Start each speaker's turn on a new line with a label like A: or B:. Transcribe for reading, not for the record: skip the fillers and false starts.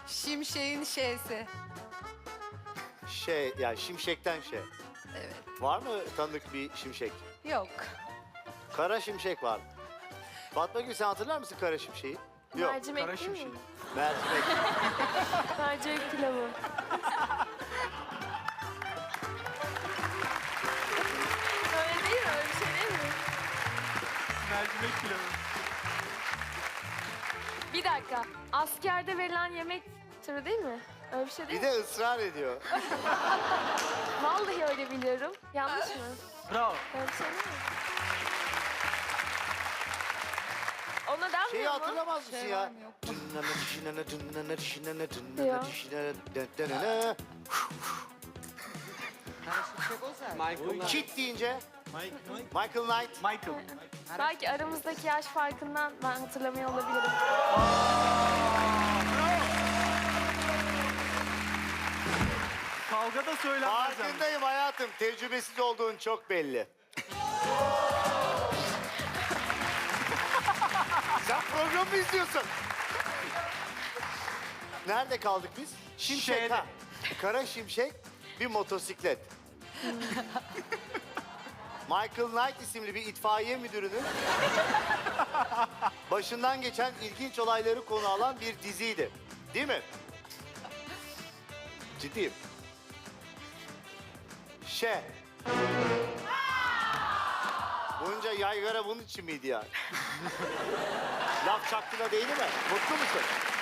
A: Şimşek'in şeysi.
B: Şey, yani şimşekten şey.
A: Evet.
B: Var mı tanıdık bir şimşek?
A: Yok.
B: Kara şimşek var. Fatma Gül, sen hatırlar mısın kara şimşeği? Yok.
C: Mercimek
D: Kara
C: değil mi?
D: şimşek.
B: Mercimek.
C: Mercimek pilavı. Öyle değil mi? Öyle bir şey değil mi?
D: Mercimek pilavı.
C: Bir dakika. Askerde verilen yemek türü değil mi? Öyle bir şey değil
B: Bir
C: mi?
B: de ısrar ediyor.
C: Vallahi öyle biliyorum. Yanlış mı?
D: Bravo.
C: Öyle bir şey değil mi? Ona denmiyor
B: Şeyi
C: mu?
B: hatırlamaz mısın
A: Şey
B: ya?
A: var mı, yok mu?
B: Kit deyince Michael Knight.
D: Michael.
C: Belki aramızdaki yaş farkından ben hatırlamıyor olabilirim.
D: Kavga da söylenmez yani.
B: Farkındayım hayatım. Tecrübesiz olduğun çok belli. Sen programı mı izliyorsun? Nerede kaldık biz? Şimşek
D: Şeyde.
B: ha. Kara şimşek, bir motosiklet. Michael Knight isimli bir itfaiye müdürünün başından geçen ilginç olayları konu alan bir diziydi. Değil mi? Ciddiyim. Bunca yaygara bunun için miydi yani? Laf çaktığına değil mi? Mutlu musun?